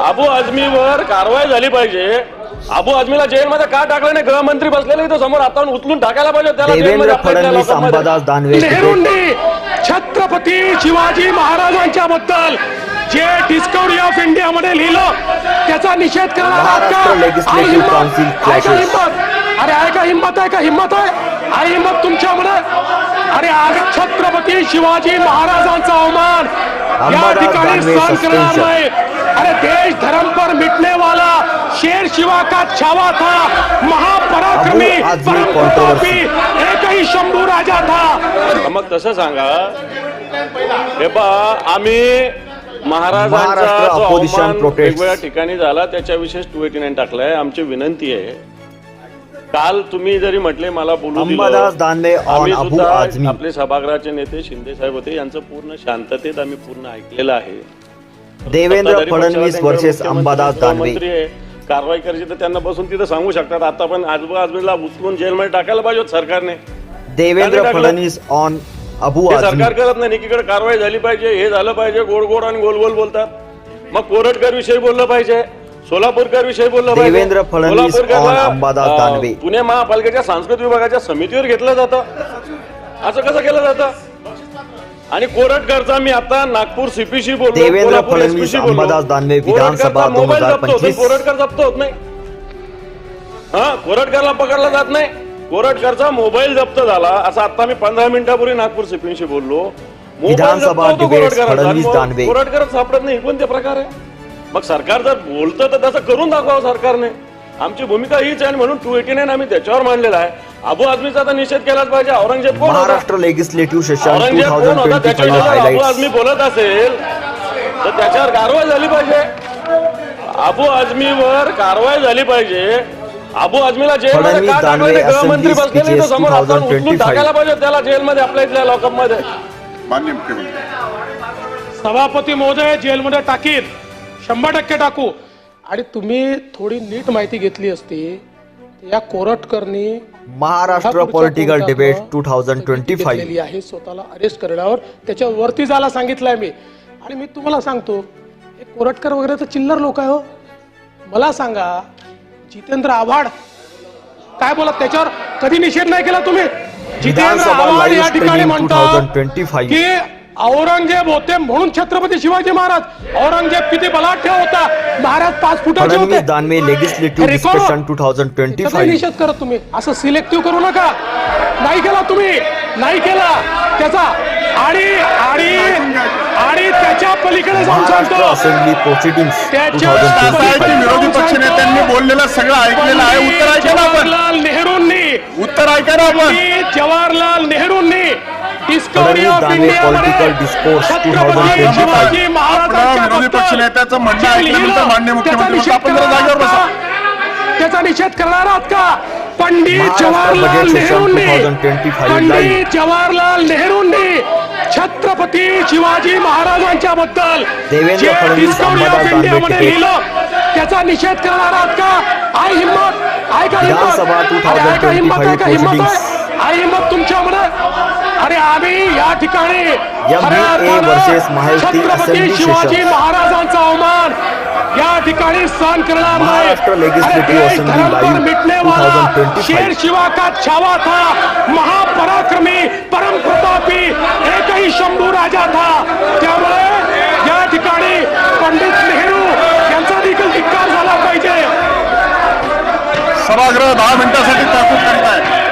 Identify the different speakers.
Speaker 1: अबू आझमीवर कारवाई झाली पाहिजे। अबू आझमीला जेलमध्ये का टाकलं नाही? गृहमंत्री बसलेले तो समोर, आता उचलून टाकायला पाहिजे त्याला।
Speaker 2: देवेंद्र फडणवीस अंबादास दानवे
Speaker 3: नेहरूंनी छत्रपती शिवाजी महाराजांच्या बद्दल जे डिस्कवरी ऑफ इंडिया मध्ये लिहिलं त्याचा निषेध करणार आहात का?
Speaker 2: Maharashtra legislative council clashes.
Speaker 3: अरे आहे का हिम्मत? आहे का हिम्मत? आहे हिम्मत तुमच्यामध्ये? अरे आज छत्रपती शिवाजी महाराजांचा अवमान या ठिकाणी सहन करणार नाही। अरे देश धर्म पर मिटने वाला शेर शिवा का छावा था, महापराक्रमी परम प्रतापी एक ही शंभू राजा था।
Speaker 1: मग तसं सांगा हे पा, आम्ही महाराजांचा
Speaker 2: महाराष्ट्र
Speaker 1: जो
Speaker 2: ऑपोजिशन
Speaker 1: अवमान
Speaker 2: प्रोटेस्ट
Speaker 1: वेगवेगळ्या ठिकाणी झाला त्याच्याविषयी 289 टाकलाय। आमची विनंती आहे, काल तुम्ही जरी म्हटले मला बोलू
Speaker 2: अंबादास दानवे ऑन अबू आझमी,
Speaker 1: आपले सभागृहाचे नेते शिंदे साहेब होते, यांचं पूर्ण शांततेत आम्ही पूर्ण ऐकलेलं आहे।
Speaker 2: देवेंद्र फडणवीस वर्सेस अंबादास दानवे।
Speaker 1: कारवाई करायची तर त्यांना बसून तिथे सांगू शकतात। आता पण अबू आझमीला उचलून जेलमध्ये टाकायला पाहिजे सरकारने।
Speaker 2: देवेंद्र फडणवीस ऑन अबू आझमी।
Speaker 1: सरकार करत नाही, एकीकडे कारवाई झाली पाहिजे, हे झालं पाहिजे, गोड गोड आणि गोल गोल बोलतात। मग कोरटकर विषयी बोललं पाहिजे, सोलापूरकर विषयी बोललं पाहिजे।
Speaker 2: देवेंद्र फडणवीस ऑन अंबादास दानवे।
Speaker 1: पुणे महापालिकेच्या सांस्कृतिक विभागाच्या समितीवर घेतलं जातं, असं कसं केलं जातं? आणि कोरटकरचा मी आता नागपूर सीपीशी बोललो,
Speaker 2: देवेंद्र फडणवीस अंबादास दानवे विधानसभा 2025।
Speaker 1: कोरटकर जप्त होत नाही, हा कोरटकरला पकडला जात नाही। कोरटकरचा मोबाईल जप्त झाला असं आता मी 15 मिनिटापूर्वी नागपूर सीपीशी बोललो।
Speaker 2: विधानसभा डिबेट फडणवीस दानवे।
Speaker 1: कोरटकर सापडत नाही, कोणते प्रकार आहे? मग सरकार जर बोलतं तर तसं करून दाखवावं सरकारने। आमची भूमिका हीच आहे, म्हणून 289 आम्ही त्याच्यावर मांडलेला आहे। अबू आझमीचा तर निषेध केलाच पाहिजे। औरंगजेब कोण होता?
Speaker 2: महाराष्ट्र लेजिस्लेटिव्ह सेशन
Speaker 1: औरंगजेब कोण होता?
Speaker 2: 2025
Speaker 1: त्याच्यावर अबू
Speaker 2: हायलाइट्स।
Speaker 1: आझमी बोलत असेल तर त्याच्यावर कारवाई झाली पाहिजे। अबू आझमीवर कारवाई झाली पाहिजे। अबू आझमीला जेलमध्ये का टाकलं नाही? गृहमंत्री बसलेले तो समोर, आता उचलून टाकायला पाहिजे त्याला जेलमध्ये, आपल्या इथल्या लॉकअप मध्ये।
Speaker 4: माननीय मुख्यमंत्री
Speaker 3: सभापती महोदय जेलमध्ये टाकीत 100% टाकू। आणि तुम्ही थोडी नीट माहिती घेतली असती, या कोरटकरनी
Speaker 2: महाराष्ट्र पॉलिटिकल डिबेट 2025
Speaker 3: आहे, स्वतःला अरेस्ट करण्यावर त्याच्यावरती जायला सांगितलंय मी। आणि मी तुम्हाला सांगतो, हे कोरटकर वगैरे तर चिल्लर लोक आहे हो। मला सांगा, जितेंद्र आव्हाड काय बोलत, त्याच्यावर कधी निषेध नाही केला तुम्ही? जितेंद्र आव्हाड या ठिकाणी म्हणतात की औरंगजेब होते म्हणून छत्रपती शिवाजी महाराज, औरंगजेब किती बलाढ्य होता, महाराज 5 फुटाचे होते।
Speaker 2: Danve legislative discussion 2025।
Speaker 3: निषेध करत तुम्ही असं सिलेक्टिव्ह करू नका। नाही केला तुम्ही, नाही केला त्याचा। आणि त्याच्या पलीकडे जाऊन सांगतो,
Speaker 2: असेंब्ली प्रोसिडिंग्स
Speaker 4: विरोधी पक्ष नेत्यांनी बोललेलं सगळं ऐकलेलं आहे। उत्तर ऐका ना आपण,
Speaker 3: जवाहरलाल नेहरूंनी,
Speaker 4: उत्तर ऐका ना आपण।
Speaker 3: जवाहरलाल नेहरूंनी discovery of India
Speaker 2: political discourse 2025।
Speaker 4: आपलं विरोधी पक्ष नेत्याचं म्हणणं ऐकल्यानंतर माननीय मुख्यमंत्री आपण जरा जागेवर बसा।
Speaker 3: त्याचा निषेध करणार आहात का? पंडित जवाहरलाल नेहरूंनी छत्रपती शिवाजी महाराजांच्या बद्दल
Speaker 2: Devendra Fadnavis
Speaker 3: discovery of India मध्ये लिहिलं त्याचा निषेध करणार आहात का? आहे हिम्मत? आहे का
Speaker 2: विधानसभा
Speaker 3: हिम्मत? आहे का हिम्मत? आहे का हिम्मत?
Speaker 2: proceedings।
Speaker 3: आहे हिम्मत तुमच्यामध्ये? अरे आम्ही या ठिकाणी
Speaker 2: versus Mahayuti
Speaker 3: Chhatrapati
Speaker 2: assembly
Speaker 3: Shivaji
Speaker 2: session
Speaker 3: महाराजांचा अवमान या ठिकाणी सहन करणार नाही।
Speaker 2: महाराष्ट्र लेजिस्लेटिव्ह असेंब्ली लाईव्ह
Speaker 3: मिटने वाला
Speaker 2: 2025।
Speaker 3: शेर शिवा का छावा था, महापराक्रमी परम प्रतापी एक ही शंभू राजा था। त्यामुळे या ठिकाणी पंडित नेहरू यांचा देखील धिक्कार झाला पाहिजे।
Speaker 4: सभागृह 10 मिनिटांसाठी तहकूब करताय।